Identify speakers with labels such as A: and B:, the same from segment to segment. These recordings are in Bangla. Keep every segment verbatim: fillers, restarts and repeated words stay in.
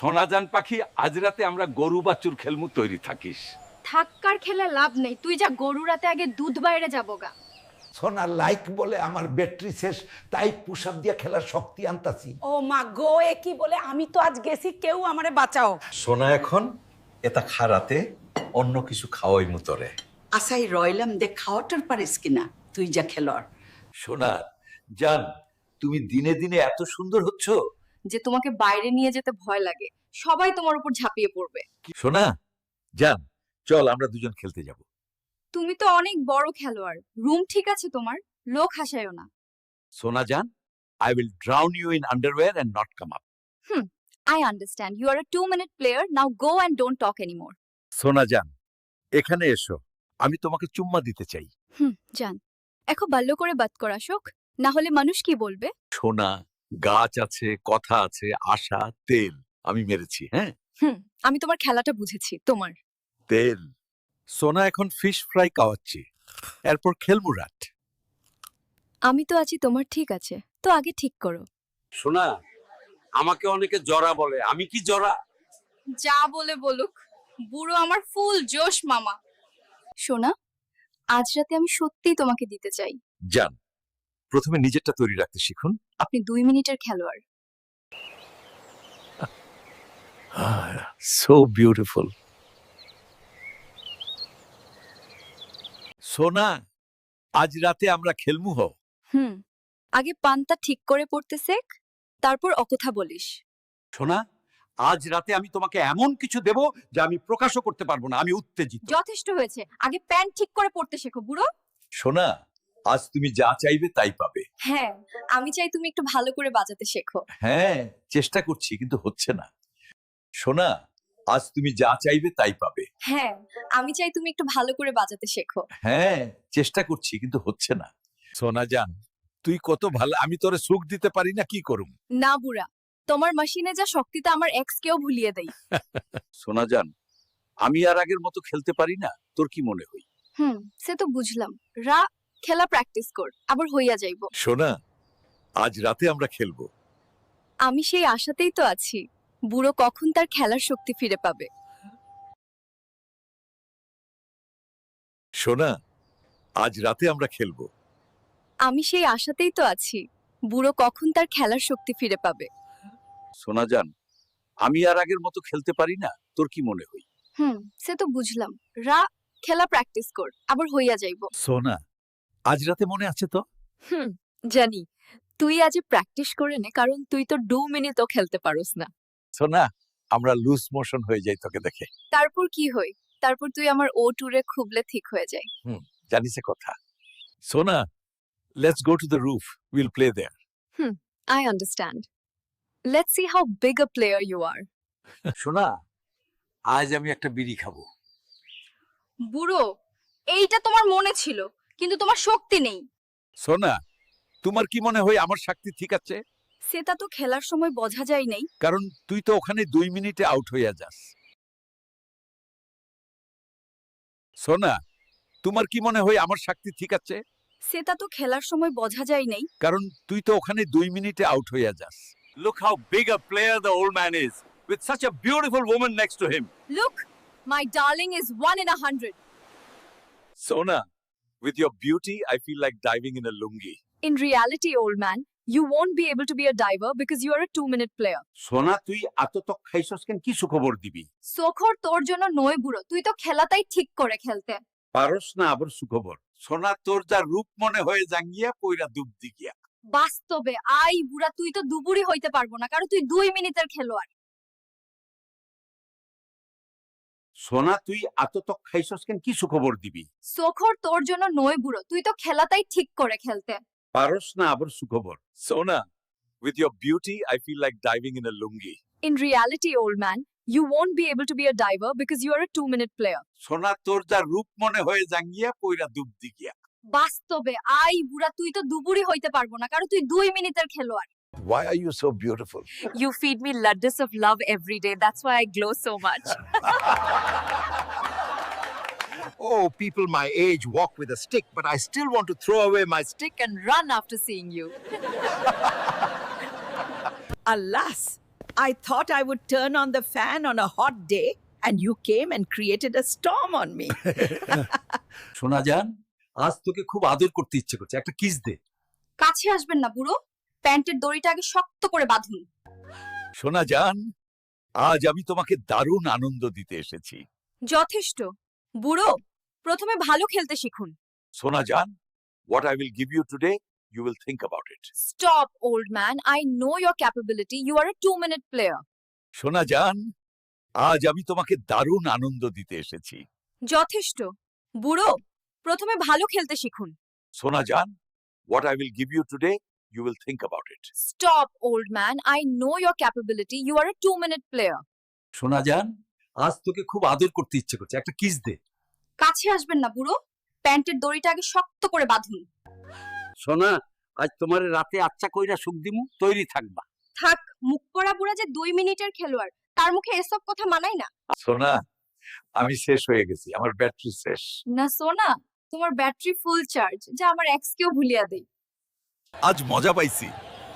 A: সোনাজান পাখি, আজ রাতে আমরা গরু বাছুর খেলমু, তৈরি থাকিস।
B: থাক্কার খেলে লাভ নেই, তুই যা, গরু রাতে আগে দুধ বাইরে যাবো গা।
C: সোনা লাইক বলে আমার ব্যাটারি শেষ, তাই পুশআপ দিয়ে খেলার শক্তি আনতাছি।
D: ও মা গো, এ কি বলে? আমি তো আজ গেছি, কেউ আমারে বাঁচাও।
E: সোনা এখন এটা খারাতে অন্য কিছু খাওয়াই মুতরে।
F: আসাই রইলাম দেখ খাওয়াটার পারিস কিনা, তুই যা খেলোয়াড়।
A: সোনা জান, তুমি দিনে দিনে এত সুন্দর হচ্ছ
B: যে তোমাকে বাইরে নিয়ে যেতে ভয় লাগে, সবাই তোমার উপর ঝাঁপিয়ে পড়বে।
A: সোনা জান, চল আমরা দুজন খেলতে যাব।
B: তুমি তো অনেক বড় খেলোয়াড়, রুম ঠিক আছে তোমার, লোক হাসায়ও না।
A: সোনা জান, I will drown you in underwear and not come up.
B: Hmm, I understand. You are a two-minute player. Now go and don't talk anymore.
A: সোনা জান, এখানে এসো, আমি তোমাকে চুম্মা দিতে চাই।
B: হুম, জান। এখন বাল্য করে বাত করা শোক, না হলে মানুষ কি বলবে?
A: সোনা, গাছ আছে, কথা আছে, আশা, তেল আমি মেরেছি। হ্যাঁ,
B: হুম, আমি তোমার খেলাটা বুঝেছি, তোমার।
A: তেল। সোনা এখন ফিশ ফ্রাই খাওয়াচ্ছি, এরপর খেলবো রাত।
B: আমি তো আছি তোমার, ঠিক আছে, তো আগে ঠিক করো।
G: শোনা, আমাকে অনেকে জরা বলে, আমি কি জরা?
B: যা বলে বলুক, বুড়ো আমার ফুল জোশ মামা। সোনা, আজ রাতে আমি সত্যিই তোমাকে দিতে চাই।
A: জান, প্রথমে নিজেরটা তৈরি রাখতে শিখুন।
B: আপনি দুই মিনিটের খেলোয়াড়।
A: So beautiful. সোনা, আজ রাতে আমরা খেলমু হো।
B: হুম, আগে পান্তা ঠিক করে পড়তে শেখ, তারপর অকথা বলিস।
A: সোনা, আজ রাতে আমি তোমাকে এমন কিছু দেব যা আমি প্রকাশও করতে পারবো না, আমি উত্তেজিত।
B: যথেষ্ট হয়েছে, আগে প্যান্ট ঠিক করে পড়তে শেখো বুড়ো।
A: সোনা, আজ তুমি যা চাইবে তাই পাবে।
B: হ্যাঁ, আমি চাই তুমি একটু ভালো করে বাজাতে শেখো।
A: হ্যাঁ, চেষ্টা করছি কিন্তু হচ্ছে না। সোনা, আজ তুমি যা চাইবে তাই পাবে।
B: হ্যাঁ, আমি চাই তুমি একটু ভালো করে বাজাতে শেখো।
A: হ্যাঁ, চেষ্টা করছি কিন্তু হচ্ছে না। সোনা জান, তুই কত ভালো, আমি তোরে সুখ দিতে পারি না, কি করুম?
B: না বুড়া, তোমার মেশিনে যা শক্তিটা আমার এক্স কেও ভুলিয়ে দেই।
A: সোনা জান, আমি আর আগের মতো খেলতে পারি না, তোর কি মনে হয়?
B: হুম, সে তো বুঝলাম। রা, খেলা প্র্যাকটিস কর, আবার হইয়া যাইবো।
A: সোনা, আজ রাতে আমরা খেলবো।
B: আমি সেই আশাতেই তো আছি, বুড়ো কখন তার খেলার শক্তি ফিরে পাবে।
A: সোনা, আজ রাতে আমরা খেলবো।
B: আমি সেই আশাতেই তো আছি, বুড়ো কখন তার খেলার শক্তি ফিরে পাবে।
A: সোনা জান, আমি আর আগের মতো খেলতে পারি না, তোর কি মনে হয়?
B: হুম, সে তো বুঝলাম। রা, খেলা প্র্যাকটিস কর, আবার হইয়া যাইবো।
A: সোনা, আজ রাতে মনে আছে তো?
B: হুম, জানি। তুই আজ প্র্যাকটিস করে নে, কারণ তুই তো দু মিনিটও খেলতে পারোস না।
A: সোনা, আমরা লুজ মোশন হয়ে যাই তোকে দেখে।
B: তারপর কি হই? তারপর তুই আমার ও টুরে খুবলে ঠিক হয়ে যায়।
A: জানিস কথা? সোনা, let's go to the roof, will play there.
B: I understand. Let's see how big a player you are.
G: শোনা, আজ আমি একটা বিড়ি খাবো।
B: বুড়ো, এইটা তোমার মনে ছিল, কিন্তু তোমার শক্তি নেই।
A: সোনা, তোমার কি মনে হয় আমার শক্তি ঠিক আছে?
B: সেটা তো খেলার সময় বোঝা যায় নাই।
A: কারণ তুই তো ওখানে দুই মিনিটে আউট হইয়া যাস। সোনা, তোমার কি মনে হয় আমার শক্তি ঠিক আছে?
B: সেটা তো খেলার সময় বোঝা যায় নাই।
A: কারণ তুই তো ওখানে দুই মিনিটে আউট হইয়া যাস। Look how big a player the old man is, with such a beautiful woman next to him.
B: Look, my darling is one in a hundred.
A: Sona, with your beauty, I feel like diving in a lungi.
B: In reality, old man, you won't be able to be a diver because you are a two-minute player.
A: সোনা, তুই আততক খাইছস কেন? কি সুখবর দিবি?
B: সোখর তোর জন্য নয় বুড়ো, তুই তো খেলাটাই ঠিক করে খেলতে
A: পারস না আবার সুখবর। সোনা, তোর যা রূপ মনে হয়ে জাঙ্গিয়া পইরা ডুব দিগিয়া।
B: বাস্তবে আই বুড়া, তুই তো দুবুরি হইতে পারবো না, কারণ তুই দুই মিনিটের খেলোয়াড়।
A: সোনা, তুই আততক খাইছস কেন? কি সুখবর দিবি?
B: সোখর তোর জন্য নয় বুড়ো, তুই তো খেলাটাই ঠিক করে খেলতে
A: পারস না আবার সুখবর। সোনা, with your beauty, I feel like diving in a lungi.
B: In reality, old man, you won't be able to be a diver because you are a two-minute player.
A: সোনা, তোর যা রূপ মনে হয়ে জাঙ্গিয়া পইরা ডুব দিগিয়া।
B: বাস্তবে আই বুড়া, তুই তো দুবুরি হইতে পারবো না, কারণ তুই দুই মিনিটের খেলোয়াড়।
C: Why are you so beautiful?
B: You feed me laddus of love every day. That's why I glow so much.
H: Oh, people my age walk with a stick, but I still want to throw away my stick.
B: Stick and run after seeing you.
D: Alas,
F: I thought I would turn on the fan on a hot day, and you came and created a storm on me.
A: সোনা জান, আজ তোকে খুব আদর করতে ইচ্ছে করছে, একটা কিস দে।
B: কাছে আসবেন না বুড়ো, প্যান্টের দড়িটা আগে শক্ত করে বাঁধুন।
A: সোনা জান, আজ আমি তোমাকে দারুণ আনন্দ দিতে এসেছি।
B: যথেষ্ট বুড়ো, প্রথমে ভালো খেলতে শিখুন।
A: সোনা জান, what I will give you today, you will think about it.
B: Stop, old man. I know your capability. You are a two-minute player.
A: সোনা জান, আজ আমি তোমাকে দারুণ আনন্দ দিতে এসেছি।
B: যথেষ্ট বুড়ো, প্রথমে ভালো খেলতে শিখুন।
A: সোনা জান, what I will give you today, you will think about it.
B: Stop, old man. I know your capability. You are a two-minute player.
A: সোনা জান, আজ তোকে খুব আদর করতে ইচ্ছে করছে, একটা কিস দে।
B: কাছে আসবেন না বুড়ো, প্যান্টের দড়িটা আগে শক্ত করে বাঁধুন।
G: সোনা, আজ তোমার রাতে আচ্ছা কইরা সুখ দিমু, তৈরি থাকবা।
B: থাক, মুখ পড়া বুড়া যে দুই মিনিটের খেলোয়াড়, তার মুখে এসব কথা মানায় না।
A: সোনা, আমি শেষ হয়ে গেছি, আমার ব্যাটারি শেষ।
B: না সোনা, তোমার ব্যাটারি ফুল চার্জ, যা আমার এক্সকেও ভুলিয়া দেই।
A: আজ মজা পাইছি।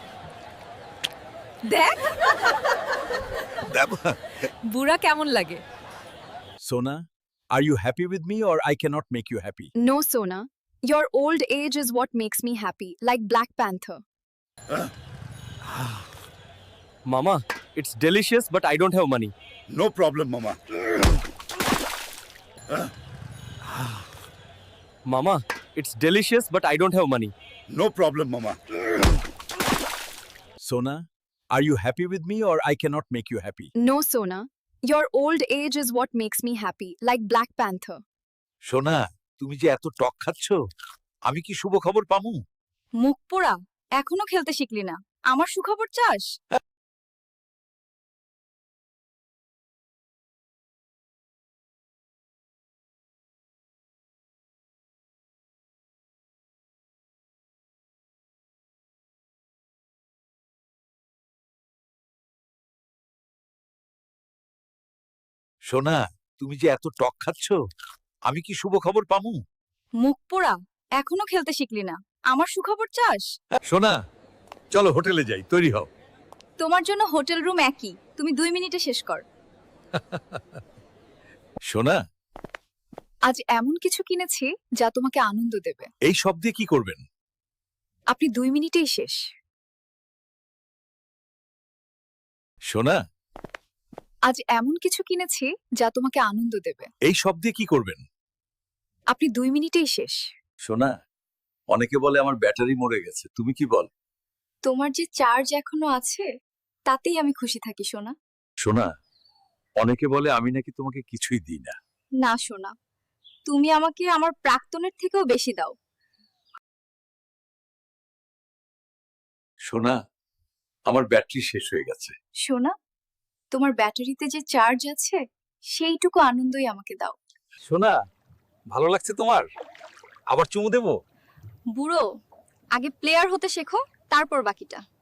B: দেখ
A: দেব।
B: বুড়া কেমন লাগে।
A: Sona, are you happy with me or I cannot make you happy?
B: No, Sona. Your old age is what makes me happy, like Black Panther.
I: Mama, it's delicious, but I don't have money.
H: No problem, Mama.
I: Mama, it's delicious, but I don't have money.
H: No problem, Mama.
A: Sona, are you happy with me or I cannot make you happy?
B: No, Sona. Your old age is what makes me happy, like Black Panther.
A: সোনা, তুমি যে এত টক খাচ্ছ, আমি কি শুভ খবর পামু?
B: মুখ পোড়া, এখনো খেলতে শিখলি না, আমার সুখবর চাস?
A: সোনা, তুমি যে এত টক খাচ্ছ, আমি কি শুভ খবর পামু?
B: মুখ পোড়া, এখনো খেলতে শিখলি না, আমার সুখবর চাস?
A: সোনা, চলো হোটেলে যাই, তৈরি হও।
B: তোমার জন্য হোটেল রুম একই, তুমি দুই মিনিটে শেষ কর।
A: সোনা,
B: আজ এমন কিছু কিনেছি যা তোমাকে আনন্দ দেবে।
A: এই সব দিয়ে কি করবেন?
B: আপনি দুই মিনিটেই শেষ।
A: সোনা,
B: আজ এমন কিছু কিনেছি যা তোমাকে আনন্দ দেবে।
A: এই সব দিয়ে কি করবেন?
B: আপনি দুই মিনিটেই শেষ।
A: সোনা, অনেকে বলে আমার ব্যাটারি মরে গেছে, তুমি কি বল?
B: তোমার যে চার্জ এখনো আছে, তাতেই আমি খুশি থাকি সোনা।
A: সোনা, অনেকে বলে আমি নাকি তোমাকে কিছুই দিই না।
B: না সোনা, তুমি আমাকে আমার প্রাক্তনের থেকেও বেশি দাও।
A: সোনা, আমার ব্যাটারি শেষ হয়ে গেছে।
B: সোনা, তোমার ব্যাটারিতে যে চার্জ আছে, সেইটুকু আনন্দই আমাকে দাও।
A: সোনা, ভালো লাগছে তোমার? আবার চুমু দেবো?
B: বুড়ো, আগে প্লেয়ার হতে শেখো, তারপর বাকিটা।